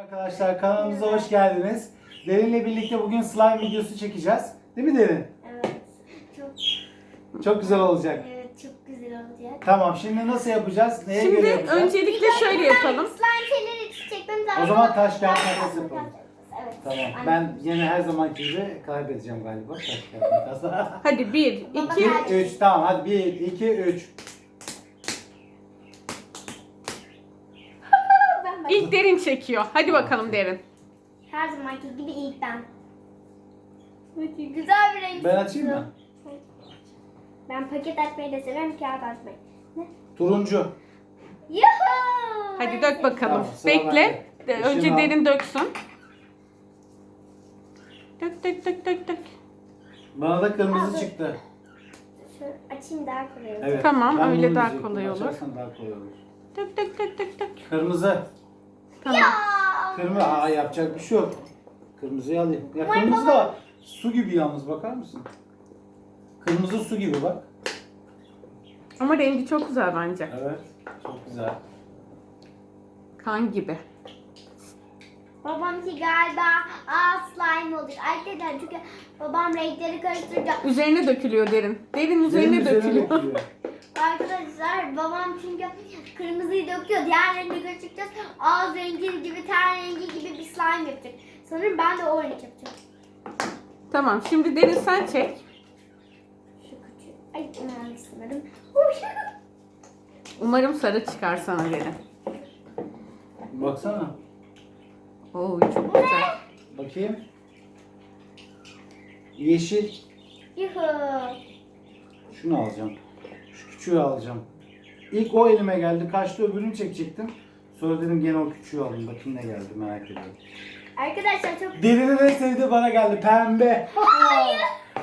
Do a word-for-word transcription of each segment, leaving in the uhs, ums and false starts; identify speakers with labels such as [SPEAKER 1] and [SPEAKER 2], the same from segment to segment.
[SPEAKER 1] Arkadaşlar kanalımıza hoş geldiniz. Derin'le birlikte bugün slime videosu çekeceğiz. Değil mi Derin?
[SPEAKER 2] Evet. Çok
[SPEAKER 1] Çok güzel olacak.
[SPEAKER 2] evet çok güzel olacak.
[SPEAKER 1] Tamam, şimdi nasıl yapacağız? Neye
[SPEAKER 3] Şimdi
[SPEAKER 1] göre yapacağız?
[SPEAKER 3] öncelikle şöyle yapalım.
[SPEAKER 2] Slime şeyleri çekmemiz lazım.
[SPEAKER 1] O zaman taş kağıt
[SPEAKER 2] Taş,
[SPEAKER 1] makas
[SPEAKER 2] taş,
[SPEAKER 1] yapalım.
[SPEAKER 2] Evet.
[SPEAKER 1] Tamam.
[SPEAKER 2] Aynen.
[SPEAKER 1] Ben yine her zamanki gibi kaybedeceğim galiba. Taş kağıt makas.
[SPEAKER 3] Hadi bir,
[SPEAKER 2] Baba,
[SPEAKER 3] iki,
[SPEAKER 2] hadi.
[SPEAKER 1] üç. Tamam hadi. bir, iki, üç.
[SPEAKER 2] ben bak.
[SPEAKER 3] ilk Derin çekiyor. Hadi bakalım Derin.
[SPEAKER 2] Her zamanki gibi ilk ben. Peki, güzel bir renk.
[SPEAKER 1] Ben açayım mı?
[SPEAKER 2] Ben paket açmayı da severim, kağıt açmayı. Ne?
[SPEAKER 1] Turuncu.
[SPEAKER 2] Yuhuu!
[SPEAKER 3] Hadi dök bakalım.
[SPEAKER 1] Tamam, sıra
[SPEAKER 3] Bekle.
[SPEAKER 1] bende.
[SPEAKER 3] De- Önce
[SPEAKER 1] Işığını al.
[SPEAKER 3] Derin döksün. Dök dök dök dök dök.
[SPEAKER 1] Bana da kırmızı
[SPEAKER 2] Abi.
[SPEAKER 1] çıktı.
[SPEAKER 2] Şöyle açayım daha kolay olur.
[SPEAKER 1] Evet.
[SPEAKER 3] Tamam,
[SPEAKER 1] ben
[SPEAKER 3] öyle
[SPEAKER 1] bunu
[SPEAKER 3] daha
[SPEAKER 1] diyecektim.
[SPEAKER 3] kolay olur.
[SPEAKER 1] Açarsan daha kolay olur.
[SPEAKER 3] Dök dök dök dök dök.
[SPEAKER 1] Kırmızı.
[SPEAKER 3] Tamam.
[SPEAKER 2] Ya!
[SPEAKER 1] Kırmızı. Aa, yapacak bir şey yok. Kırmızıyı alayım. Ya
[SPEAKER 2] Vay
[SPEAKER 1] kırmızı
[SPEAKER 2] baba.
[SPEAKER 1] da su gibi yalnız, bakar mısın? Kırmızı su gibi bak.
[SPEAKER 3] Ama rengi çok güzel bence.
[SPEAKER 1] Evet. Çok güzel.
[SPEAKER 3] Kan gibi.
[SPEAKER 2] Babamki galiba aa slime olacak. Arkadaşlar çünkü babam renkleri karıştıracak.
[SPEAKER 3] Üzerine dökülüyor Derin. Derin üzerine
[SPEAKER 1] Benim üzerine
[SPEAKER 3] dökülüyor.
[SPEAKER 1] dökülüyor.
[SPEAKER 2] Arkadaşlar babam çünkü kırmızıyı döküyor. Diğer rengi karıştıracağız. Ağız rengi gibi, ten rengi gibi bir slime yapacak. Sanırım ben de o renk yapacağım.
[SPEAKER 3] Tamam, şimdi Derin sen çek.
[SPEAKER 2] Şu küçük. Ay ben sanırım.
[SPEAKER 3] Umarım sarı çıkar sana Derin.
[SPEAKER 1] Baksana.
[SPEAKER 3] Oo çok güzel.
[SPEAKER 1] Bakayım. Yeşil.
[SPEAKER 2] Yuhu.
[SPEAKER 1] Şunu alacağım. Şu küçüğü alacağım. İlk o elime geldi. Kaçtı, öbürünü çekecektim. Sonra dedim gene o küçüğü alayım. Bakayım ne geldi, merak ediyorum.
[SPEAKER 2] Arkadaşlar çok
[SPEAKER 1] Derinin en sevdiği bana geldi. Pembe.
[SPEAKER 2] Hayır.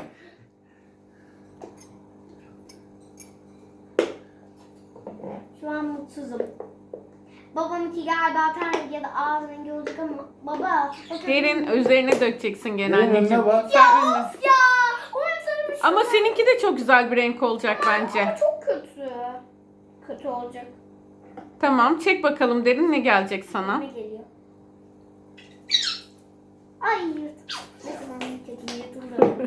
[SPEAKER 2] Şu an mutsuzum. Babamınki galiba ten rengi ya da ağız rengi olacak ama baba. o çok-
[SPEAKER 3] Derin üzerine dökeceksin gene
[SPEAKER 1] Derin önüne
[SPEAKER 3] anneciğim.
[SPEAKER 1] bak.
[SPEAKER 3] Sen
[SPEAKER 2] Ya
[SPEAKER 3] önüne.
[SPEAKER 2] of ya. Umarım sana bir şey
[SPEAKER 3] Ama
[SPEAKER 2] olmaz.
[SPEAKER 3] seninki de çok güzel bir renk olacak bence.
[SPEAKER 2] Ama çok kötü. Kötü olacak.
[SPEAKER 3] Tamam, çek bakalım Derin, ne gelecek sana?
[SPEAKER 2] Ne geliyor? Ay yırt. Ne zaman yırtıldım yırtıldım.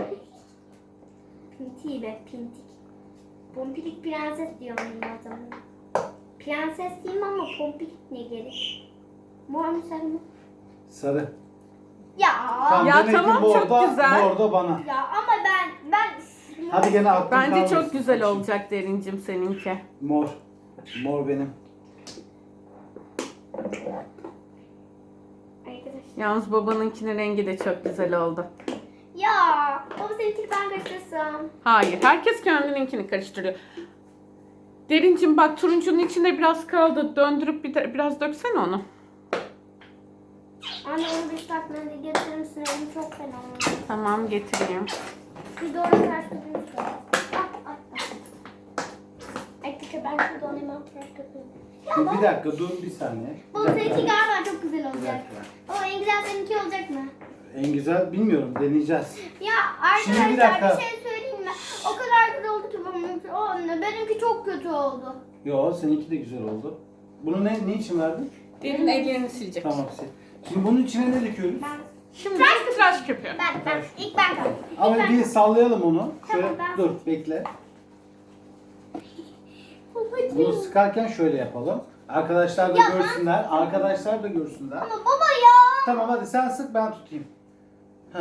[SPEAKER 2] Pinti be pintik. Pompilik prenses diyorum ben zaman. Prenses diyeyim ama pompilik ne gerek? Mor mu sarı mı?
[SPEAKER 1] Sarı.
[SPEAKER 2] Ya.
[SPEAKER 1] Tamam,
[SPEAKER 3] Ya
[SPEAKER 1] demek ki
[SPEAKER 3] tamam,
[SPEAKER 1] bu
[SPEAKER 3] çok
[SPEAKER 1] orada-
[SPEAKER 3] güzel.
[SPEAKER 1] Bu orada bana.
[SPEAKER 2] Ya ama ben ben
[SPEAKER 1] Hadi gene aklım
[SPEAKER 3] Bence
[SPEAKER 1] kalmasın.
[SPEAKER 3] çok güzel olacak Derincim seninki.
[SPEAKER 1] Mor. Mor benim.
[SPEAKER 2] Arkadaşlar.
[SPEAKER 3] Yalnız babanınkinin rengi de çok güzel oldu.
[SPEAKER 2] Ya baba seninkini ben karıştırsam.
[SPEAKER 3] Hayır, herkes kendininkini karıştırıyor. Derincim bak, turuncunun içinde biraz kaldı. Döndürüp bir de, biraz döksene onu.
[SPEAKER 2] Anne onu bir ıslak mendil getirir misin? Elim çok fena oldu.
[SPEAKER 3] Tamam, getireyim.
[SPEAKER 2] Bir de oraya tıraş köpüğümüz var. Ah ah ah. Arkadaşlar ben şurada onu hemen tıraş köpüğüm.
[SPEAKER 1] Dur, bir dakika dur bir saniye. Bir
[SPEAKER 2] Baba
[SPEAKER 1] dakika.
[SPEAKER 2] seninki galiba çok güzel
[SPEAKER 1] Bir
[SPEAKER 2] olacak.
[SPEAKER 1] dakika.
[SPEAKER 2] Baba en güzel seninki olacak mı?
[SPEAKER 1] En güzel bilmiyorum, deneyeceğiz.
[SPEAKER 2] Ya
[SPEAKER 1] Şimdi
[SPEAKER 2] arkadaşlar
[SPEAKER 1] bir
[SPEAKER 2] bir,
[SPEAKER 1] dakika.
[SPEAKER 2] şey söyleyeyim mi? O kadar güzel oldu ki benimki. O anne benimki çok kötü oldu.
[SPEAKER 1] Yo, seninki de güzel oldu. Bunu ne, ne için verdin?
[SPEAKER 3] Derin ellerini silecek.
[SPEAKER 1] Tamam sil. Şimdi bunun içine ne döküyoruz?
[SPEAKER 2] Ben
[SPEAKER 3] Şimdi tıraş köpüğü.
[SPEAKER 2] ben ben ilk ben kaldım. İlk
[SPEAKER 1] Ama
[SPEAKER 2] ben
[SPEAKER 1] bir sallayalım onu. Şöyle
[SPEAKER 2] Tamam, ben-
[SPEAKER 1] dur bekle.
[SPEAKER 2] Babacığım.
[SPEAKER 1] Bunu sıkarken şöyle yapalım. Arkadaşlar da
[SPEAKER 2] Ya ben-
[SPEAKER 1] görsünler. Arkadaşlar da görsünler.
[SPEAKER 2] Ama baba ya.
[SPEAKER 1] Tamam hadi sen sık, ben tutayım. Heh.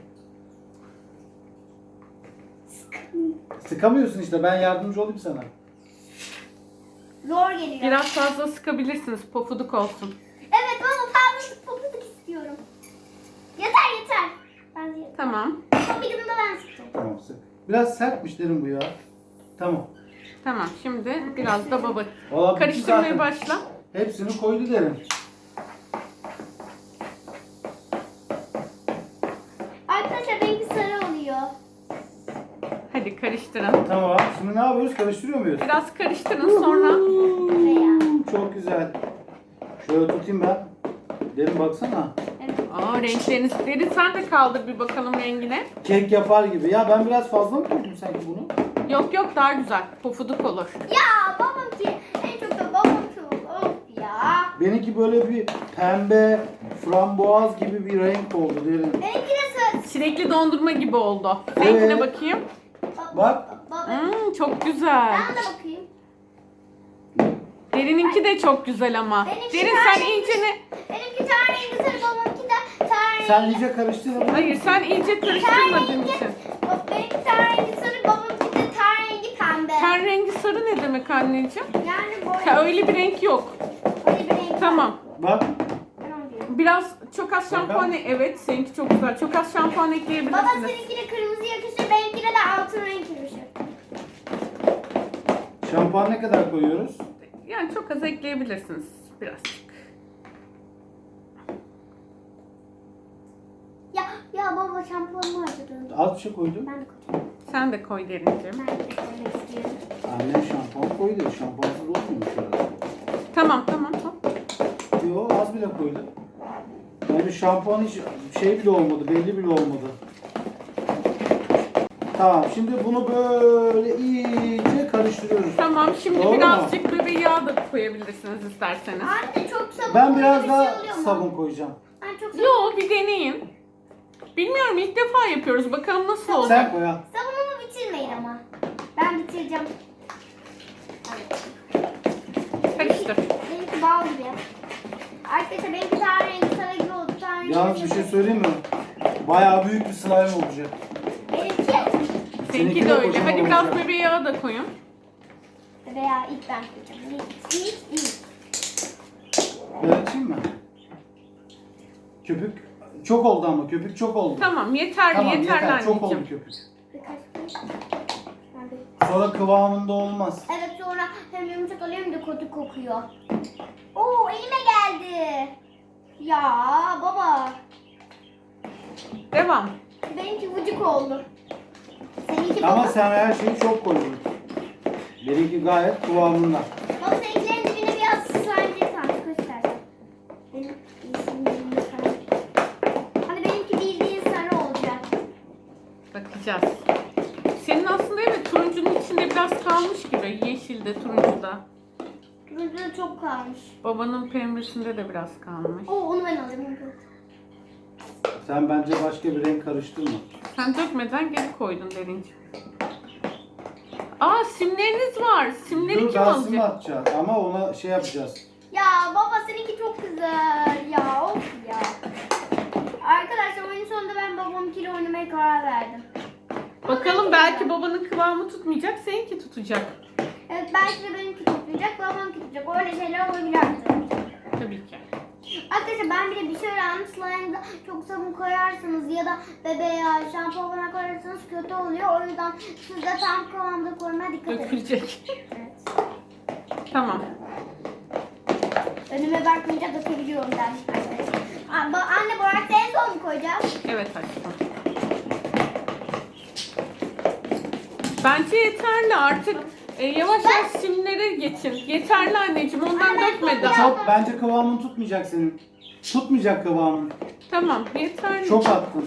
[SPEAKER 1] Sıkamıyorsun işte, ben yardımcı olayım sana.
[SPEAKER 2] Zor geliyor.
[SPEAKER 3] Biraz fazla sıkabilirsiniz, pofuduk olsun.
[SPEAKER 2] Evet baba fazla popuzluk istiyorum. Yeter yeter. Ben de yeter.
[SPEAKER 3] Tamam,
[SPEAKER 2] Son bir de ben sıkacağım.
[SPEAKER 1] Tamam sık. Biraz sertmiş derim bu ya. Tamam.
[SPEAKER 3] tamam. Şimdi biraz da baba.
[SPEAKER 1] Vallahi bu
[SPEAKER 3] Karıştırmaya
[SPEAKER 1] zaten
[SPEAKER 3] başla.
[SPEAKER 1] hepsini koydu derim.
[SPEAKER 2] Arkadaşlar benimki sarı oluyor.
[SPEAKER 3] Hadi karıştırın.
[SPEAKER 1] Tamam. Şimdi ne yapıyoruz? Karıştırıyor muyuz?
[SPEAKER 3] Biraz karıştırın, sonra
[SPEAKER 2] Veya.
[SPEAKER 1] Çok güzel. Şöyle tutayım ben. Derin baksana.
[SPEAKER 2] Evet.
[SPEAKER 3] Aa, renkleriniz. Derin sen de kaldır bir bakalım rengine.
[SPEAKER 1] Kek yapar gibi. Ya ben biraz fazla mı koydum sanki bunu?
[SPEAKER 3] Yok yok, daha güzel. Pofuduk olur.
[SPEAKER 2] Ya babam ki en çok da babam çok. Of ya.
[SPEAKER 1] Benimki böyle bir pembe, frambuaz gibi bir renk oldu derin.
[SPEAKER 2] Benimki de söz.
[SPEAKER 3] Çilekli dondurma gibi oldu.
[SPEAKER 1] Evet.
[SPEAKER 3] Seninkine bakayım.
[SPEAKER 1] Bak.
[SPEAKER 2] Baba.
[SPEAKER 3] Hmm, çok güzel.
[SPEAKER 2] Ben de bakayım.
[SPEAKER 3] Derin'inki de çok güzel ama.
[SPEAKER 2] Benimki
[SPEAKER 3] Derin
[SPEAKER 2] daha
[SPEAKER 3] sen
[SPEAKER 2] iyi.
[SPEAKER 3] iyice ne?
[SPEAKER 2] Benimki ten rengi sarı, babamki de ten rengi.
[SPEAKER 1] Sen iyice karıştırdın.
[SPEAKER 3] Hayır sen iyice karıştırmadığın için.
[SPEAKER 2] Bak, benimki ten rengi sarı, babamki de ten rengi pembe.
[SPEAKER 3] Ten rengi sarı ne demek anneciğim?
[SPEAKER 2] Yani böyle.
[SPEAKER 3] Ha, öyle bir renk yok.
[SPEAKER 2] Öyle bir renk.
[SPEAKER 3] Tamam.
[SPEAKER 1] Bak.
[SPEAKER 2] Ben onu diyorum.
[SPEAKER 3] Biraz çok az şampuan, evet seninki çok güzel. Çok az şampuan
[SPEAKER 2] Baba
[SPEAKER 3] ekleyebilirsiniz.
[SPEAKER 2] seninkine kırmızı yakışır, benimkine de altın renk yakışır.
[SPEAKER 1] Şampuan ne kadar koyuyoruz?
[SPEAKER 3] Yani çok az ekleyebilirsiniz birazcık.
[SPEAKER 2] Ya ya baba şampuanımı harcadım.
[SPEAKER 1] Az bir şey koydum.
[SPEAKER 2] Ben de koyacağım.
[SPEAKER 3] Sen de koy Derinciğim.
[SPEAKER 2] Ben de koymak istiyorum.
[SPEAKER 1] Annem şampuan koydu. Şampuansız olmuyormuş herhalde.
[SPEAKER 3] Tamam tamam tamam.
[SPEAKER 1] Yo az bile koydu. Yani şampuan hiç şey bile olmadı, belli bile olmadı. Tamam, şimdi bunu böyle iyice karıştırıyoruz.
[SPEAKER 3] Tamam şimdi
[SPEAKER 1] Doğru
[SPEAKER 3] birazcık bebe yağı da koyabilirsiniz isterseniz.
[SPEAKER 2] Anne çok sabun
[SPEAKER 1] Ben
[SPEAKER 2] koyunca
[SPEAKER 1] biraz
[SPEAKER 2] bir
[SPEAKER 1] daha
[SPEAKER 2] şey oluyor mu?
[SPEAKER 1] sabun koyacağım.
[SPEAKER 2] Ben çok sabun.
[SPEAKER 3] Yo bir deneyin. Bilmiyorum ilk defa yapıyoruz. Bakalım nasıl olacak.
[SPEAKER 1] Sen koy ha.
[SPEAKER 2] Sabunumu bitirmeyin ama. Ben bitireceğim.
[SPEAKER 3] Karıştır.
[SPEAKER 2] Benimki bal gibi. Arkadaşlar benimki ten rengi sarı gibi oldu. Ten rengi
[SPEAKER 1] Yalnız bir
[SPEAKER 2] sarı.
[SPEAKER 1] şey söyleyeyim mi? Bayağı büyük bir slime olacak.
[SPEAKER 2] Benimki
[SPEAKER 3] Seninki
[SPEAKER 1] Seninki
[SPEAKER 3] de
[SPEAKER 1] de
[SPEAKER 3] öyle.
[SPEAKER 1] kocaman
[SPEAKER 3] Hadi biraz
[SPEAKER 1] olacak.
[SPEAKER 3] bebe yağı da koyun.
[SPEAKER 2] veya ilk ben koyacağım. İlk, ilk, ilk.
[SPEAKER 1] Ben açayım mı? Köpük çok oldu ama köpük çok oldu.
[SPEAKER 3] Tamam yeterli
[SPEAKER 1] Tamam,
[SPEAKER 3] yeterli
[SPEAKER 1] yeter.
[SPEAKER 3] anneciğim.
[SPEAKER 1] Çok oldu köpük.
[SPEAKER 2] Birkaç koy. Ben bir-
[SPEAKER 1] Sonra kıvamında olmaz.
[SPEAKER 2] Evet sonra hem yumuşak oluyor hem de kötü kokuyor. Oo elime geldi. Ya baba.
[SPEAKER 3] Devam.
[SPEAKER 2] Benimki vıcık oldu. Seninki
[SPEAKER 1] Ama
[SPEAKER 2] baba.
[SPEAKER 1] sen her şeyi çok koydun. Benimki gayet kıvamında.
[SPEAKER 2] Baba seninkilerin dibine biraz slime bir tane göstersen. Benim iyisinin dibinde sarı. Hani benimki bildiğin sarı olacak.
[SPEAKER 3] Bakacağız. Senin aslında evet turuncunun içinde biraz kalmış gibi. Yeşilde, turuncuda.
[SPEAKER 2] Turuncu da çok kalmış.
[SPEAKER 3] Babanın pembesinde de biraz kalmış.
[SPEAKER 2] Oo onu ben alacağım.
[SPEAKER 1] Sen bence başka bir renk karıştırma.
[SPEAKER 3] Sen dökmeden geri koydun Derinciğim. Aa simleriniz var. Simleri
[SPEAKER 1] Dur
[SPEAKER 3] kim
[SPEAKER 1] daha sim
[SPEAKER 3] alacak?
[SPEAKER 1] atacağız ama ona şey yapacağız.
[SPEAKER 2] Ya baba seninki çok güzel. Ya of ya. Arkadaşlar oyun sonunda ben babamkiyle oynamaya karar verdim.
[SPEAKER 3] Bakalım belki babanın kıvamı tutmayacak, seninki tutacak.
[SPEAKER 2] Evet belki de benimki tutacak, babamki tutacak. Öyle şeyler olabilir arkadaşlar.
[SPEAKER 3] Tabii ki.
[SPEAKER 2] Arkadaşlar ben bir de bir şey öğrendim. Slime'da çok sabun koyarsanız ya da bebe yağı, şampuan koyarsanız kötü oluyor. O yüzden siz de tam kıvamda koymaya dikkat edin.
[SPEAKER 3] Dökülecek.
[SPEAKER 2] Evet.
[SPEAKER 3] Tamam.
[SPEAKER 2] Önüme bakmayınca dökebiliyorum dermiş arkadaşlar. Aa, ba- Anne bu arada en son mu koyacağız?
[SPEAKER 3] Evet aşkım. Bence yeterli artık. E, yavaş yavaş simlere geçin. Yeterli anneciğim ondan
[SPEAKER 2] Anne, ben
[SPEAKER 3] dökme
[SPEAKER 2] çok
[SPEAKER 3] daha.
[SPEAKER 1] Çok bence kıvamın tutmayacak senin. Tutmayacak kıvamın.
[SPEAKER 3] Tamam yeterli.
[SPEAKER 1] Çok attın.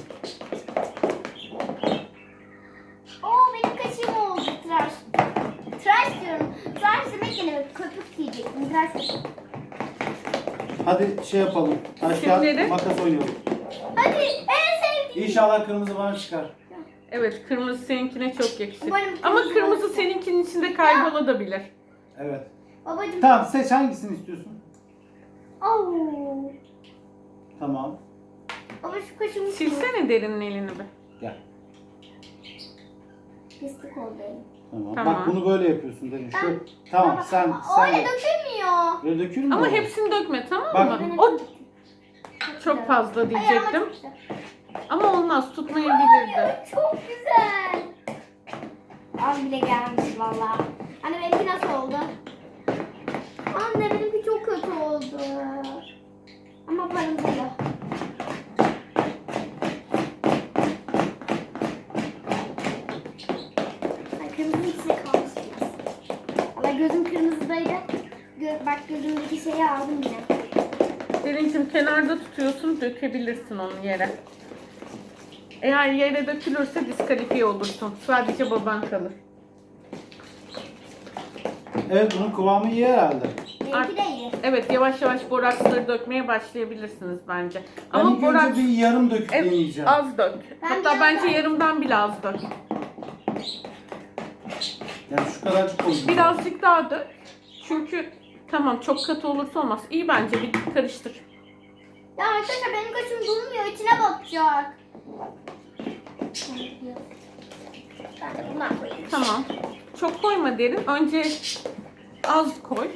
[SPEAKER 2] Oo benim kaşığım oldu tıraş. Tıraş diyorum. Tıraş demek ne demek? Köpük diyecektim. Tıraş demek.
[SPEAKER 1] Hadi şey yapalım. Taş kağıt
[SPEAKER 3] Simleri.
[SPEAKER 1] makas oynayalım.
[SPEAKER 2] Hadi en sevdiğim.
[SPEAKER 1] İnşallah kırmızı bana çıkar.
[SPEAKER 3] Evet kırmızı seninkine çok yakışır.
[SPEAKER 2] Umarım
[SPEAKER 3] Ama
[SPEAKER 2] kırmızı
[SPEAKER 3] kırmızı
[SPEAKER 2] olursa.
[SPEAKER 3] seninkinin içinde kaybolabilir.
[SPEAKER 1] Evet.
[SPEAKER 2] Babacım.
[SPEAKER 1] Tamam seç hangisini istiyorsun?
[SPEAKER 2] Oo.
[SPEAKER 1] Tamam.
[SPEAKER 2] Baba şu kaşığımı
[SPEAKER 3] Silsene Derin'in elini bir.
[SPEAKER 1] Gel.
[SPEAKER 2] Pislik oldu elim.
[SPEAKER 1] Tamam.
[SPEAKER 3] Tamam.
[SPEAKER 1] Bak bunu böyle yapıyorsun dedim. Şu,
[SPEAKER 2] Ben-
[SPEAKER 1] tamam
[SPEAKER 2] Baba,
[SPEAKER 1] sen
[SPEAKER 2] Öyle
[SPEAKER 1] sen yap.
[SPEAKER 2] dökülmüyor.
[SPEAKER 1] Böyle dökülmüyor
[SPEAKER 3] Ama
[SPEAKER 1] mu?
[SPEAKER 3] hepsini dökme tamam
[SPEAKER 1] Bak.
[SPEAKER 3] mı?
[SPEAKER 2] Benim
[SPEAKER 3] O
[SPEAKER 2] güzel.
[SPEAKER 3] çok fazla
[SPEAKER 2] Ay, ama
[SPEAKER 3] diyecektim.
[SPEAKER 2] çok güzel.
[SPEAKER 3] Ama olmaz tutmayabilirdi.
[SPEAKER 2] Ay, çok güzel. Az bile gelmiş valla. Anne benimki nasıl oldu? Anne benimki çok kötü oldu. Ama parıldıyor. Ay kırmızı içine kalmış biraz. Valla gözüm kırmızıdaydı. Gö bak gözümdeki şeyi aldım yine.
[SPEAKER 3] Derincim kenarda tutuyorsun dökebilirsin onu yere. Eğer yere dökülürse diskalifiye olursun. Sadece baban kalır.
[SPEAKER 1] Evet bunun kıvamı iyi herhalde.
[SPEAKER 2] Benimki de iyi.
[SPEAKER 3] Evet, yavaş yavaş boraksları dökmeye başlayabilirsiniz bence.
[SPEAKER 1] Ben
[SPEAKER 3] Ama
[SPEAKER 1] ilk
[SPEAKER 3] boraks
[SPEAKER 1] önce bir yarım döküp
[SPEAKER 3] evet,
[SPEAKER 1] deneyeceğim.
[SPEAKER 3] az dök.
[SPEAKER 2] Ben
[SPEAKER 3] Hatta
[SPEAKER 2] biraz
[SPEAKER 3] bence
[SPEAKER 2] daha-
[SPEAKER 3] yarımdan bile az dök.
[SPEAKER 1] Yani şu kadarcık koydum.
[SPEAKER 3] Birazcık daha dök. Çünkü tamam çok katı olursa olmaz. İyi bence bir karıştır.
[SPEAKER 2] Ya arkadaşlar benim kaşım durmuyor. İçine batacak. Ben de bundan koyayım.
[SPEAKER 3] Tamam. Çok koyma derin. Önce az koy.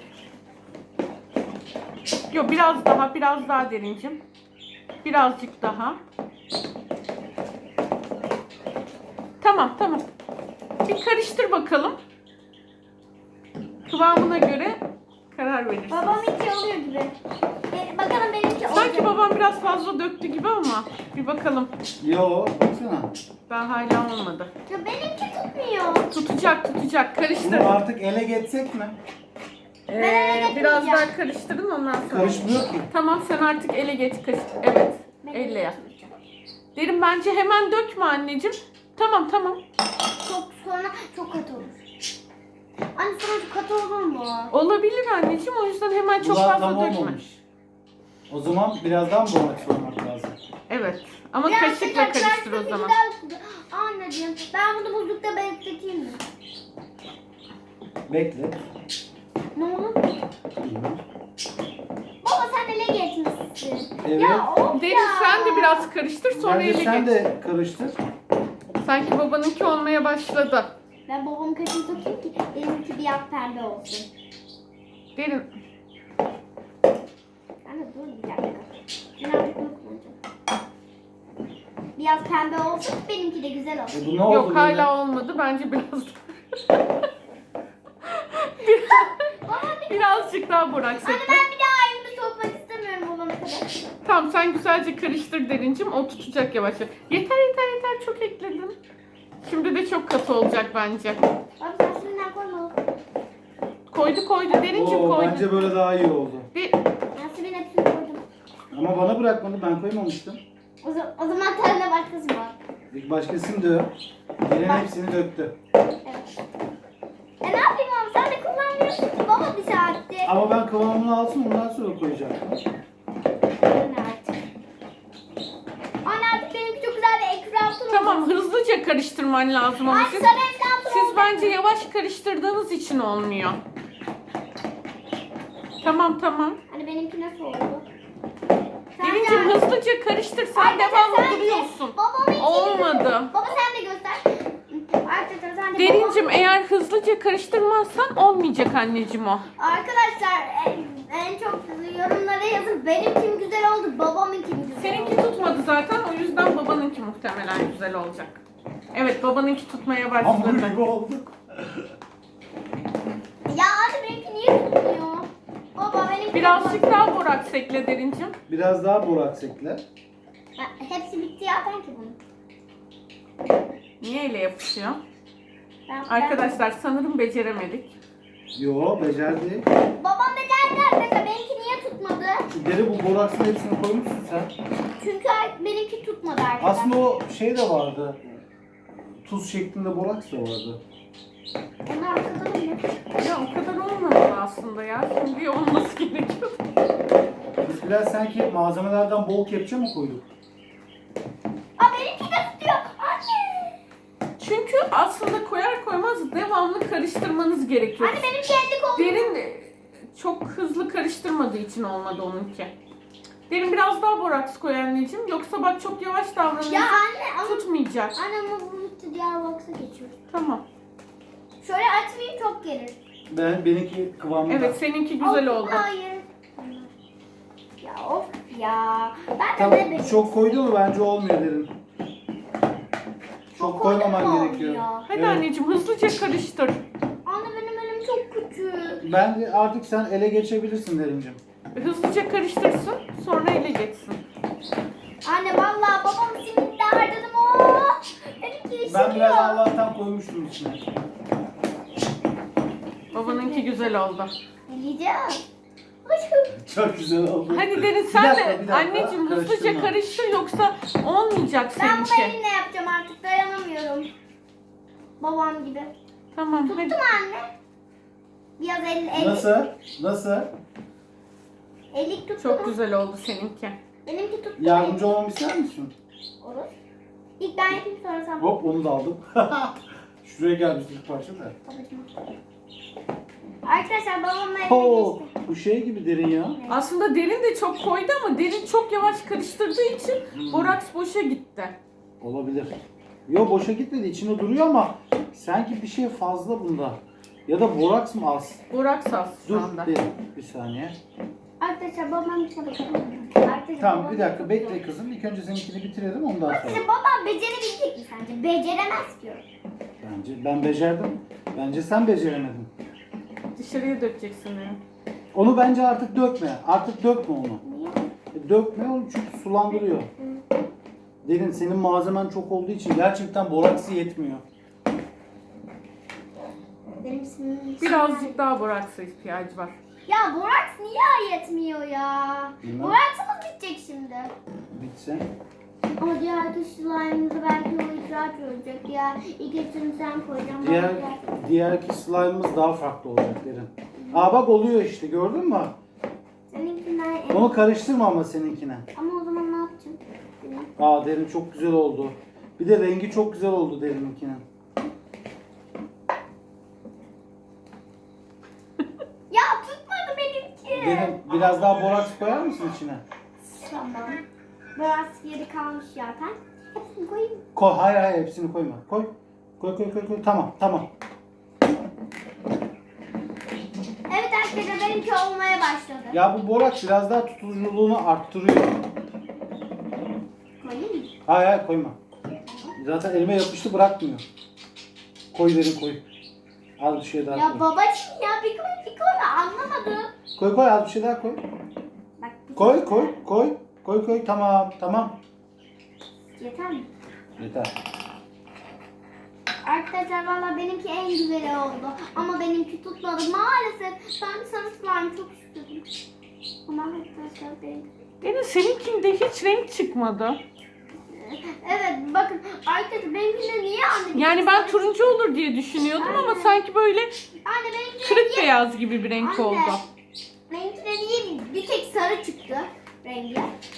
[SPEAKER 3] Yok biraz daha, biraz daha derincim. Birazcık daha. Tamam, tamam. Bir karıştır bakalım. Kıvamına göre karar verirsin.
[SPEAKER 2] Babam iki oluyor gibi. Be- bakalım benimki olacak.
[SPEAKER 3] Sanki babam biraz fazla döktü gibi ama bir bakalım.
[SPEAKER 1] Yo baksana.
[SPEAKER 3] Daha hala olmadı.
[SPEAKER 2] Ya benimki tutmuyor.
[SPEAKER 3] Tutacak, tutacak. Karıştır.
[SPEAKER 1] Bunu artık ele geçsek mi?
[SPEAKER 3] Ee, biraz daha karıştırın ondan sonra.
[SPEAKER 1] Karışmıyor ki.
[SPEAKER 3] Tamam sen artık ele geç. Karış. Evet.
[SPEAKER 2] Ben
[SPEAKER 3] Elle yap.
[SPEAKER 2] tutmayacağım.
[SPEAKER 3] Derin bence hemen dökme anneciğim. Tamam tamam.
[SPEAKER 2] Çok sonra çok katı olur. Anne sonra çok katı olur mu?
[SPEAKER 3] Olabilir anneciğim o yüzden hemen çok
[SPEAKER 1] Bunlar
[SPEAKER 3] fazla
[SPEAKER 1] tam
[SPEAKER 3] dökme.
[SPEAKER 1] olmamış. O zaman birazdan boraks olmak lazım.
[SPEAKER 3] Evet. Ama
[SPEAKER 2] Biraz
[SPEAKER 3] kaşıkla
[SPEAKER 2] sıcak,
[SPEAKER 3] karıştır
[SPEAKER 2] biraz
[SPEAKER 3] o zaman.
[SPEAKER 2] güzel. Anneciğim ben bunu buzlukta bekleteyim mi?
[SPEAKER 1] Bekle.
[SPEAKER 2] Ne olur? Baba sen ele geçmişsin.
[SPEAKER 1] Evet.
[SPEAKER 2] Ya of
[SPEAKER 3] Derin
[SPEAKER 2] ya.
[SPEAKER 3] sen de biraz karıştır sonra
[SPEAKER 1] Bence
[SPEAKER 3] ele
[SPEAKER 1] sen
[SPEAKER 3] geç.
[SPEAKER 1] de karıştır.
[SPEAKER 3] Sanki babanınki olmaya başladı.
[SPEAKER 2] Ben babamın kaşını tutayım ki benimki biraz pembe olsun.
[SPEAKER 3] Derin.
[SPEAKER 2] Ben de dur bir dakika. Birazcık bunu kullanacağım. Biraz pembe olsun ki benimki de güzel olsun.
[SPEAKER 1] E bu ne oldu
[SPEAKER 3] Yok
[SPEAKER 1] böyle?
[SPEAKER 3] hala olmadı. Bence biraz birazcık daha boraks
[SPEAKER 2] Anne
[SPEAKER 3] ekle.
[SPEAKER 2] ben bir daha elimi sokmak istemiyorum babama kadar.
[SPEAKER 3] Tamam sen güzelce karıştır Derincim. O tutacak yavaş yavaş. Yeter yeter yeter çok ekledin. Şimdi de çok katı olacak bence.
[SPEAKER 2] Abi sen şimdiden koyma.
[SPEAKER 3] Koydu koydu Derincim
[SPEAKER 1] Oo,
[SPEAKER 3] koydu.
[SPEAKER 1] bence böyle daha iyi oldu.
[SPEAKER 3] Bir,
[SPEAKER 2] Ben Sibin hepsini koydum.
[SPEAKER 1] Ama bana bırakmadı, ben koymamıştım.
[SPEAKER 2] O, zaman, o zaman tane başkası var.
[SPEAKER 1] İlk başkasını dök. Diğerinin
[SPEAKER 2] Bak.
[SPEAKER 1] hepsini döktü.
[SPEAKER 2] Evet. E ne yapayım abi sen de kullanmıyorsun ki baba bir saattir.
[SPEAKER 1] Ama ben kıvamını alsın ondan sonra koyacağım.
[SPEAKER 2] Anne artık. Anne artık benimki çok güzel bir ekran turu.
[SPEAKER 3] tamam hızlıca karıştırman lazım ama
[SPEAKER 2] Anne
[SPEAKER 3] siz,
[SPEAKER 2] sana ekran turu
[SPEAKER 3] siz
[SPEAKER 2] olacak
[SPEAKER 3] bence
[SPEAKER 2] mı?
[SPEAKER 3] yavaş karıştırdığınız için olmuyor. Tamam tamam.
[SPEAKER 2] Anne benimki nasıl oldu?
[SPEAKER 3] Derincim
[SPEAKER 2] Sence-
[SPEAKER 3] hızlıca karıştır sen
[SPEAKER 2] Arkadaşlar
[SPEAKER 3] devamlı
[SPEAKER 2] sence
[SPEAKER 3] duruyorsun.
[SPEAKER 2] babamınki
[SPEAKER 3] Olmadı.
[SPEAKER 2] Baba sen de göster. Arkadaşlar sen de
[SPEAKER 3] Derincim
[SPEAKER 2] babam-
[SPEAKER 3] eğer hızlıca karıştırmazsan olmayacak anneciğim o.
[SPEAKER 2] Arkadaşlar en, en çok yorumlara yazın. Benimkim güzel oldu, babamınki mi güzel
[SPEAKER 3] Seninki
[SPEAKER 2] oldu?
[SPEAKER 3] tutmadı zaten o yüzden babanınki muhtemelen güzel olacak. Evet babanınki tutmaya
[SPEAKER 1] Hamur
[SPEAKER 3] başladı.
[SPEAKER 1] gibi olduk.
[SPEAKER 2] Ya anne benimki niye tutmuyor? Baba benimki...
[SPEAKER 3] Birazcık daha boraks ekle Derincim.
[SPEAKER 1] Biraz daha boraks ekle.
[SPEAKER 2] Ha, hepsi bitti ya ben ki bunu.
[SPEAKER 3] Niye ele yapışıyor?
[SPEAKER 2] Ben,
[SPEAKER 3] Arkadaşlar sanırım beceremedik.
[SPEAKER 1] Yo, becerdi.
[SPEAKER 2] Ben... Babam becerdi arkadaşlar. Benimki niye tutmadı?
[SPEAKER 1] Deri bu boraksın hepsini koymuşsun sen.
[SPEAKER 2] Çünkü ar- benimki tutmadı arkadaşlar.
[SPEAKER 1] Aslında o şey de vardı. Tuz şeklinde boraks da vardı.
[SPEAKER 2] Onlar arkada mı?
[SPEAKER 3] Ya o kadar olmamalı aslında ya. Şimdi olması gerekiyor.
[SPEAKER 1] Biz biraz sanki malzemelerden bol kepçe mi koyduk?
[SPEAKER 2] Aa benimki de tutuyor. Anne.
[SPEAKER 3] Çünkü aslında koyar koymaz devamlı karıştırmanız gerekiyor.
[SPEAKER 2] Anne benim kendi kolum.
[SPEAKER 3] Derin e, çok hızlı karıştırmadığı için olmadı onunki. Derin biraz daha boraks koy anneciğim. Yoksa bak çok yavaş davranıyorsun.
[SPEAKER 2] Ya anne ama...
[SPEAKER 3] Tutmayacak.
[SPEAKER 2] Anne ama bu bitti. Diğer box'a geçiyor.
[SPEAKER 3] Tamam.
[SPEAKER 2] Şöyle açmayayım çok gelir.
[SPEAKER 1] Ben benimki kıvamında.
[SPEAKER 3] Evet seninki güzel
[SPEAKER 2] Of,
[SPEAKER 3] oldu.
[SPEAKER 2] Hayır. Ya of ya. Ben de
[SPEAKER 1] Tamam,
[SPEAKER 2] ne benim.
[SPEAKER 1] çok koydu mu bence olmuyor derim. Çok
[SPEAKER 2] Çok koydun
[SPEAKER 1] koymaman
[SPEAKER 2] mu
[SPEAKER 1] gerekiyor.
[SPEAKER 2] olmuyor?
[SPEAKER 3] Hadi
[SPEAKER 1] Evet.
[SPEAKER 3] anneciğim hızlıca karıştır.
[SPEAKER 2] Anne benim elim çok küçük.
[SPEAKER 1] Ben de artık sen ele geçebilirsin Derincim.
[SPEAKER 3] Hızlıca karıştırsın sonra ele geçsin.
[SPEAKER 2] Anne vallahi babam simitle harcadım o. Benimki işimiyor.
[SPEAKER 1] Ben biraz Allah'tan koymuştum içine.
[SPEAKER 3] Babanınki güzel oldu.
[SPEAKER 2] Yiyeceğim.
[SPEAKER 1] Çok güzel oldu.
[SPEAKER 3] Hadi Derin
[SPEAKER 1] Bir
[SPEAKER 3] sen
[SPEAKER 1] dakika,
[SPEAKER 3] de
[SPEAKER 1] bir dakika.
[SPEAKER 3] anneciğim hızlıca
[SPEAKER 1] Karıştırma.
[SPEAKER 2] karıştır.
[SPEAKER 3] yoksa olmayacak
[SPEAKER 2] Ben bunu
[SPEAKER 3] seninki.
[SPEAKER 2] elimle yapacağım artık dayanamıyorum. Babam gibi.
[SPEAKER 3] Tamam
[SPEAKER 2] Tuttum
[SPEAKER 3] hadi.
[SPEAKER 2] anne. Biraz el, el.
[SPEAKER 1] Nasıl? Nasıl?
[SPEAKER 2] Elik tuttu
[SPEAKER 3] Çok
[SPEAKER 2] mu?
[SPEAKER 3] güzel oldu seninki.
[SPEAKER 2] Benimki tuttu.
[SPEAKER 1] Yardımcı olmamı ister misin?
[SPEAKER 2] Olur. İlk ben yapayım sonra sen.
[SPEAKER 1] Hop onu da aldım. Şuraya gelmişti ilk parça da.
[SPEAKER 2] Babacığım. Arkadaşlar babamla eve
[SPEAKER 1] Oo,
[SPEAKER 2] geçti.
[SPEAKER 1] bu şey gibi derin ya.
[SPEAKER 3] Aslında Derin de çok koydu ama Derin çok yavaş karıştırdığı için boraks boşa gitti.
[SPEAKER 1] Olabilir. Yo boşa gitmedi. İçinde duruyor ama sanki bir şey fazla bunda. Ya da boraks mı az?
[SPEAKER 3] Boraks az şu
[SPEAKER 1] Dur
[SPEAKER 3] anda.
[SPEAKER 1] Derin, bir saniye.
[SPEAKER 2] Arkadaşlar babam içine bakalım. Arkadaşlar,
[SPEAKER 1] Tamam
[SPEAKER 2] babam-
[SPEAKER 1] bir dakika bekle kızım. İlk önce seninkini bitirelim ondan sonra.
[SPEAKER 2] Arkadaşlar babam becerebilecek mi sence? Beceremez ki.
[SPEAKER 1] Bence ben becerdim. Bence sen beceremedin.
[SPEAKER 3] Dışarıya dökeceksin Derin.
[SPEAKER 1] Onu bence artık dökme. Artık dökme onu.
[SPEAKER 2] Niye?
[SPEAKER 1] E, Dökme onu çünkü sulandırıyor. Derin senin malzemen çok olduğu için gerçekten boraksı yetmiyor.
[SPEAKER 2] Benim ismim...
[SPEAKER 3] Birazcık daha boraksa ihtiyacı var.
[SPEAKER 2] Ya boraks niye yetmiyor ya?
[SPEAKER 1] Bilmem.
[SPEAKER 2] Boraksımız bitecek şimdi.
[SPEAKER 1] Bitse.
[SPEAKER 2] Ama diğer slime'ımızı belki o icraat olacak ya. İlk hepsini sen koyacaksın.
[SPEAKER 1] Diğer
[SPEAKER 2] bana
[SPEAKER 1] diğerki slime'ımız daha farklı olacak Derin. Aa bak oluyor işte gördün mü?
[SPEAKER 2] Seninkinden en...
[SPEAKER 1] Onu karıştırma ama seninkine.
[SPEAKER 2] Ama o zaman ne yapacağım? Benim-
[SPEAKER 1] Aa Derin çok güzel oldu. Bir de rengi çok güzel oldu Derin'inkinin.
[SPEAKER 2] Ya tutmadı benimki.
[SPEAKER 1] Derin biraz daha boraks koyar mısın içine?
[SPEAKER 2] Tamam. Boraks yeri kalmış zaten. Hepsini koyayım.
[SPEAKER 1] Koy, hayır hayır hepsini koyma. Koy. Koy koy koy koy. Tamam tamam.
[SPEAKER 2] Evet arkadaşlar benimki olmaya başladı.
[SPEAKER 1] Ya bu boraks biraz daha tutuculuğunu arttırıyor.
[SPEAKER 2] Koyayım mı?
[SPEAKER 1] Hayır hayır koyma. Zaten elime yapıştı bırakmıyor. Koy Derin koy. Az bir şey daha
[SPEAKER 2] Ya
[SPEAKER 1] koy.
[SPEAKER 2] babacığım ya bir koy bir koy da anlamadım.
[SPEAKER 1] Koy koy az bir şey daha koy.
[SPEAKER 2] Bak, bir-
[SPEAKER 1] Koy koy koy. Koy koy tamam tamam.
[SPEAKER 2] Yeter mi?
[SPEAKER 1] Yeter.
[SPEAKER 2] Arkadaşlar valla benimki en güzeli oldu. Ama benimki tutmadı. Maalesef ben sarı slime çok istedim. Ama arkadaşlar benim...
[SPEAKER 3] Derin seninkinde hiç renk çıkmadı.
[SPEAKER 2] Evet bakın arkadaşlar benimkinde niye anne?
[SPEAKER 3] Yani ben turuncu olur diye düşünüyordum ama
[SPEAKER 2] Aynen.
[SPEAKER 3] sanki böyle
[SPEAKER 2] Anne benimkinde
[SPEAKER 3] kırık
[SPEAKER 2] niye...
[SPEAKER 3] beyaz gibi bir renk
[SPEAKER 2] Anne,
[SPEAKER 3] oldu.
[SPEAKER 2] benimkinde niye bir tek sarı çıktı rengi?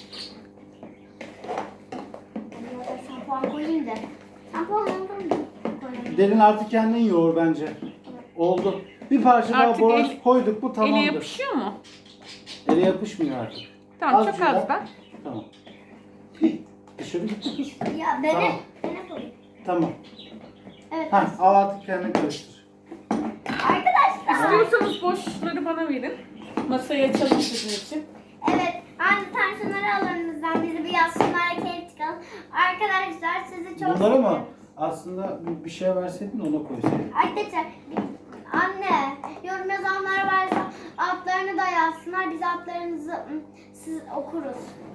[SPEAKER 2] Hadi ya da şampuan koyayım da. Şampuan koyayım.
[SPEAKER 1] Derin artık kendin yoğur bence. Oldu. Bir parça daha
[SPEAKER 3] Artık
[SPEAKER 1] boraks
[SPEAKER 3] el-
[SPEAKER 1] koyduk mu
[SPEAKER 3] Ele
[SPEAKER 1] tamamdır.
[SPEAKER 3] yapışıyor mu?
[SPEAKER 1] Ele yapışmıyor artık.
[SPEAKER 3] Tamam
[SPEAKER 1] Azıcık
[SPEAKER 3] çok az
[SPEAKER 1] daha.
[SPEAKER 3] da.
[SPEAKER 1] Tamam. Hih, Dışarı gitti kız.
[SPEAKER 2] Ya beni,
[SPEAKER 1] Tamam.
[SPEAKER 2] beni koyayım.
[SPEAKER 1] Tamam.
[SPEAKER 2] Evet.
[SPEAKER 1] Heh, al artık kendin karıştır.
[SPEAKER 2] Arkadaşlar.
[SPEAKER 3] İstiyorsanız boşları bana verin. Masayı açalım sizin için.
[SPEAKER 2] Evet. Anne sen şunları al önünüzden. Bizi bir yazsınlar. Keyif çıkalım. Arkadaşlar sizi çok
[SPEAKER 1] Bunları mı?
[SPEAKER 2] seviyorum.
[SPEAKER 1] Aslında bir- bir şey verseydin ona koysaydın.
[SPEAKER 2] Arkadaşlar anne yorum yazanlar varsa adlarını da yazsınlar. Biz adlarınızı ım, siz okuruz.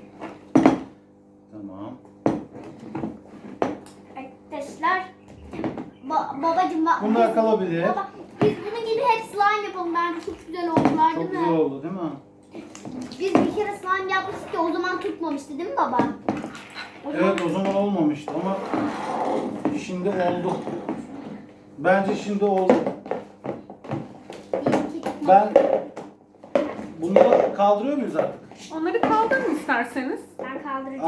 [SPEAKER 1] Tamam.
[SPEAKER 2] Arkadaşlar ba- babacım bak.
[SPEAKER 1] Bunlar
[SPEAKER 2] biz-
[SPEAKER 1] kalabilir.
[SPEAKER 2] Baba, biz bunun gibi hep slime yapalım. Bence çok güzel oldular
[SPEAKER 1] Çok
[SPEAKER 2] değil
[SPEAKER 1] güzel
[SPEAKER 2] mi?
[SPEAKER 1] oldu değil mi?
[SPEAKER 2] Biz bir kere slime yapmıştık ki o zaman tutmamıştı değil mi baba? O zaman-
[SPEAKER 1] Evet o zaman olmamıştı ama şimdi oldu. Bence şimdi oldu.
[SPEAKER 2] Bir, iki, üç.
[SPEAKER 1] Ben bunları kaldırıyor muyuz artık?
[SPEAKER 3] Onları kaldırın isterseniz.
[SPEAKER 2] Ben
[SPEAKER 1] Ah,
[SPEAKER 2] kaldıracağım.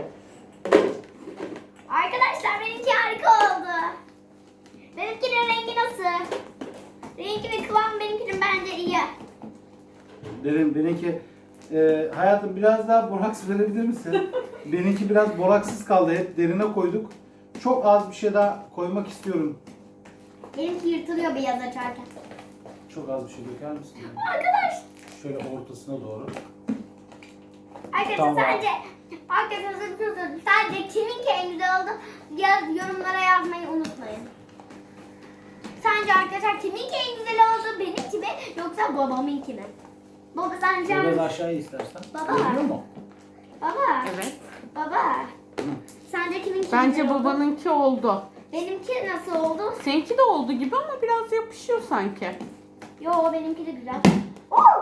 [SPEAKER 2] Arkadaşlar benimki harika oldu. Benimkinin rengi nasıl? Rengi ve kıvam benimkinin bence iyi.
[SPEAKER 1] Derin benimki e, hayatım biraz daha boraks verebilir misin? Benimki biraz boraksız kaldı. Hep derine koyduk. Çok az bir şey daha koymak istiyorum.
[SPEAKER 2] Benimki yırtılıyor beyaz açarken.
[SPEAKER 1] Çok az bir şey döker misin?
[SPEAKER 2] Arkadaş.
[SPEAKER 1] Şöyle ortasına doğru.
[SPEAKER 2] Arkadaşlar
[SPEAKER 1] Tamam.
[SPEAKER 2] sadece arkadaşlar size bir şey söyleyeyim. Sadece kiminki en güzel oldu yaz, yorumlara yazmayı unutmayın. Sence arkadaşlar kiminki en güzel oldu? Benimki mi yoksa babamınki mi? Baba sence
[SPEAKER 1] Biraz
[SPEAKER 2] hangisi?
[SPEAKER 1] aşağıya istersen.
[SPEAKER 2] Baba.
[SPEAKER 1] Görüyor mu?
[SPEAKER 2] Baba.
[SPEAKER 3] Evet.
[SPEAKER 2] Baba. Sence kiminki
[SPEAKER 3] Bence
[SPEAKER 2] güzel oldu?
[SPEAKER 3] babanınki oldu.
[SPEAKER 2] Benimki nasıl oldu?
[SPEAKER 3] Seninki de oldu gibi ama biraz yapışıyor sanki.
[SPEAKER 2] Yo benimki de güzel. Oo!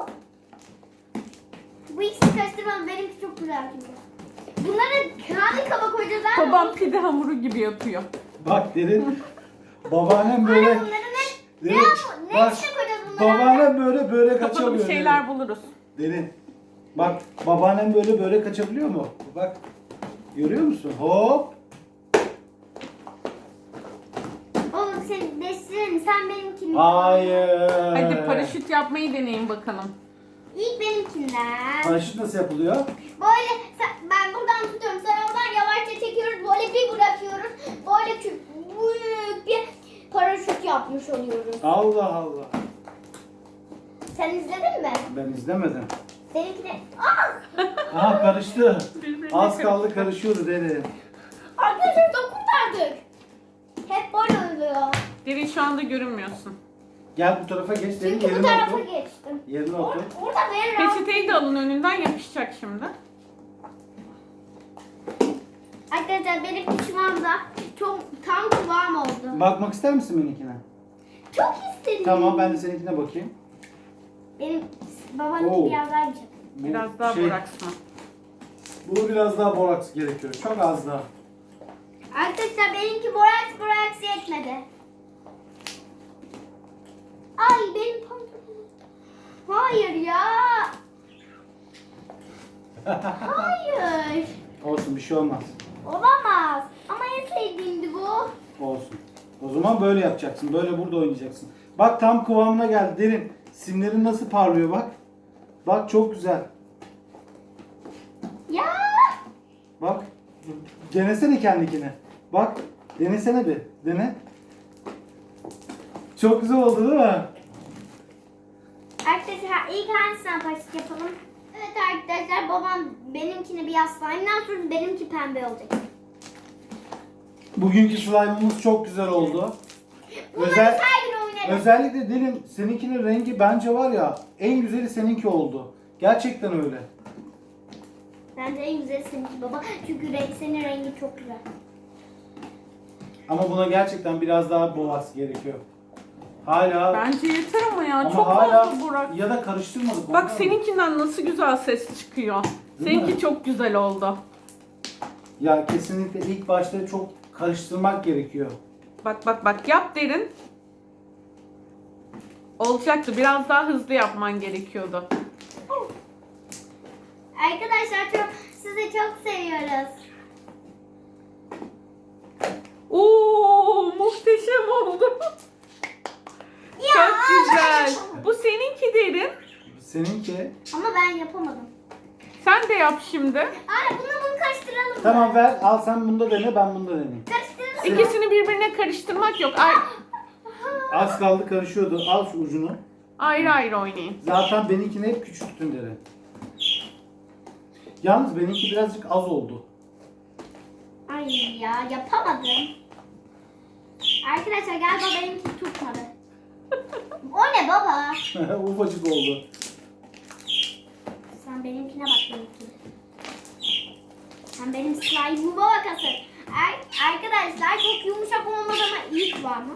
[SPEAKER 2] Bu ikisini karıştırmam. Benimki çok güzel çünkü. Bunları hangi kaba koyacağız abi?
[SPEAKER 3] Babam pide hamuru gibi yapıyor.
[SPEAKER 1] Bak derin. Babaannem
[SPEAKER 2] Anne
[SPEAKER 1] böyle.
[SPEAKER 2] bunları ne? Ne,
[SPEAKER 1] Derin.
[SPEAKER 2] yap- ne
[SPEAKER 1] Bak,
[SPEAKER 2] içine koyacağız bunları?
[SPEAKER 1] babaannem böyle börek
[SPEAKER 3] Bakalım
[SPEAKER 1] açamıyor.
[SPEAKER 3] şeyler buluruz.
[SPEAKER 1] Derin. Bak babaannem böyle böyle kaçabiliyor mu? Bak. Görüyor musun? Hop.
[SPEAKER 2] Oğlum seni değiştirelim. Sen benimkini.
[SPEAKER 1] Hayır.
[SPEAKER 3] Hadi paraşüt yapmayı deneyin bakalım.
[SPEAKER 2] İlk benimkinden.
[SPEAKER 1] Paraşüt nasıl yapılıyor?
[SPEAKER 2] Böyle sen- ben buradan tutuyorum. Sen oradan yavaşça çekiyoruz. Böyle bir bırakıyoruz. Böyle kü- büyük bir paraşüt yapmış oluyoruz.
[SPEAKER 1] Allah Allah.
[SPEAKER 2] Sen izledin mi?
[SPEAKER 1] Ben izlemedim.
[SPEAKER 2] Benimki de... Ah!
[SPEAKER 1] Aha karıştı.
[SPEAKER 3] Birbirine
[SPEAKER 1] Az kaldı
[SPEAKER 3] karıştı.
[SPEAKER 1] karışıyordu dede.
[SPEAKER 2] Arkadaşlar çok kurtardık. Hep böyle oluyor.
[SPEAKER 3] Derin şu anda görünmüyorsun.
[SPEAKER 1] Gel bu tarafa geç. Derin
[SPEAKER 2] Çünkü bu
[SPEAKER 1] yerine
[SPEAKER 2] tarafa
[SPEAKER 1] otur.
[SPEAKER 2] geçtim.
[SPEAKER 1] Yerine
[SPEAKER 2] Or
[SPEAKER 1] otur.
[SPEAKER 2] orada ben rahat...
[SPEAKER 3] Peçeteyi de alın önünden yapışacak şimdi.
[SPEAKER 2] Arkadaşlar benim şu anda çok tam kıvam oldu.
[SPEAKER 1] Bakmak ister misin benimkine?
[SPEAKER 2] Çok istedim.
[SPEAKER 1] Tamam ben de seninkine bakayım.
[SPEAKER 2] Benim babamınki
[SPEAKER 1] Oo.
[SPEAKER 2] biraz daha güzel.
[SPEAKER 1] Bu
[SPEAKER 3] Biraz daha
[SPEAKER 1] şey,
[SPEAKER 3] boraksma.
[SPEAKER 1] Bu biraz daha boraks gerekiyor. Çok az daha.
[SPEAKER 2] Arkadaşlar benimki boraks boraks yetmedi. Ay benim pantolonum. Hayır ya. Hayır.
[SPEAKER 1] Olsun bir şey olmaz.
[SPEAKER 2] Olamaz. Ama en sevdiğimdi bu.
[SPEAKER 1] Olsun. O zaman böyle yapacaksın. Böyle burada oynayacaksın. Bak tam kıvamına geldi. Derin. Simlerin nasıl parlıyor bak. Bak çok güzel.
[SPEAKER 2] Ya.
[SPEAKER 1] Bak. Denesene kendikine. Bak. Denesene bir. Dene. Çok güzel oldu değil mi?
[SPEAKER 2] Arkadaşlar ilk hangisinden paraşüt yapalım? Evet arkadaşlar babam benimkini bir yaslayımdan sonra benimki pembe olacak.
[SPEAKER 1] Bugünkü slime'ımız çok güzel oldu.
[SPEAKER 2] Bunları
[SPEAKER 1] Özel,
[SPEAKER 2] her gün oynarız.
[SPEAKER 1] özellikle Derin seninkinin rengi bence var ya en güzeli seninki oldu. Gerçekten öyle.
[SPEAKER 2] Bence en güzeli seninki baba. Çünkü renk, senin rengi çok güzel.
[SPEAKER 1] Ama buna gerçekten biraz daha boğaz gerekiyor. Hala
[SPEAKER 3] Bence yeter ama ya.
[SPEAKER 1] ama
[SPEAKER 3] Çok
[SPEAKER 1] hala
[SPEAKER 3] fazla borak.
[SPEAKER 1] ya da karıştırmadık.
[SPEAKER 3] Bak
[SPEAKER 1] ondan mı?
[SPEAKER 3] seninkinden nasıl güzel ses çıkıyor.
[SPEAKER 1] Değil
[SPEAKER 3] Seninki
[SPEAKER 1] mi?
[SPEAKER 3] çok güzel oldu.
[SPEAKER 1] Ya kesinlikle ilk başta çok karıştırmak gerekiyor.
[SPEAKER 3] Bak bak bak yap Derin. Olacaktı. Biraz daha hızlı yapman gerekiyordu.
[SPEAKER 2] Arkadaşlar çok sizi çok seviyoruz.
[SPEAKER 3] Oo muhteşem oldu.
[SPEAKER 2] Ya.
[SPEAKER 3] Çok güzel. Bu seninki Derin.
[SPEAKER 1] Seninki.
[SPEAKER 2] Ama ben yapamadım.
[SPEAKER 3] Sen de yap şimdi.
[SPEAKER 2] Anne bunu bunu karıştıralım mı?
[SPEAKER 1] Tamam ver al sen bunda dene ben bunda deneyeyim.
[SPEAKER 2] Karıştıralım mı?
[SPEAKER 3] İkisini birbirine karıştırmak yok. Ay,
[SPEAKER 1] Az kaldı karışıyordu. Al şu ucunu.
[SPEAKER 3] ayrı ayrı oynayın.
[SPEAKER 1] Zaten benimkini hep küçülttün Derin. Yalnız benimki birazcık az oldu.
[SPEAKER 2] Ay ya yapamadım. Arkadaşlar galiba benimki tutmadı. O ne baba?
[SPEAKER 1] Ufacık oldu.
[SPEAKER 2] Sen benimkine bak benimkine. Sen benim slime'ıma bak asıl. Ar- arkadaşlar çok yumuşak olmadı ama iyi kıvamı.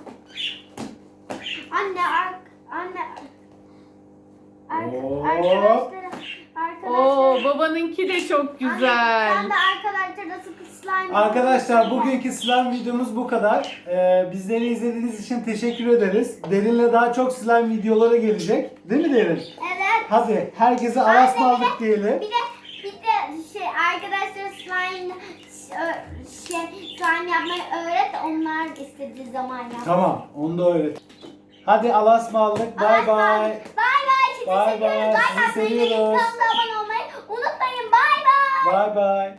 [SPEAKER 2] Anne ar anne ar
[SPEAKER 1] Oo.
[SPEAKER 2] arkadaşlar arkadaşlar.
[SPEAKER 3] Oo babanınki de çok
[SPEAKER 2] Anne,
[SPEAKER 3] güzel.
[SPEAKER 2] sen de arkadaşlara sıkı slime.
[SPEAKER 1] Arkadaşlar bugünkü slime videomuz bu kadar. Ee, bizleri izlediğiniz için teşekkür ederiz. Derin'le daha çok slime videoları gelecek. Değil mi Derin?
[SPEAKER 2] Evet.
[SPEAKER 1] Hadi herkese
[SPEAKER 2] Anne,
[SPEAKER 1] aras
[SPEAKER 2] bir de-
[SPEAKER 1] aldık diyelim.
[SPEAKER 2] Bir de bir de şey arkadaşlar slime şey slime yapmayı öğret, onlar istediği zaman yap.
[SPEAKER 1] Tamam onu da öğret. Hadi Allah'a ısmarladık. Bay bay.
[SPEAKER 2] Bay bay. Sizi
[SPEAKER 1] Bay
[SPEAKER 2] seviyoruz.
[SPEAKER 1] bay,
[SPEAKER 2] Like
[SPEAKER 1] sizi
[SPEAKER 2] atmayı,
[SPEAKER 1] seviyoruz.
[SPEAKER 2] kanalımıza abone olmayı unutmayın. Bay bay.
[SPEAKER 1] Bay bay.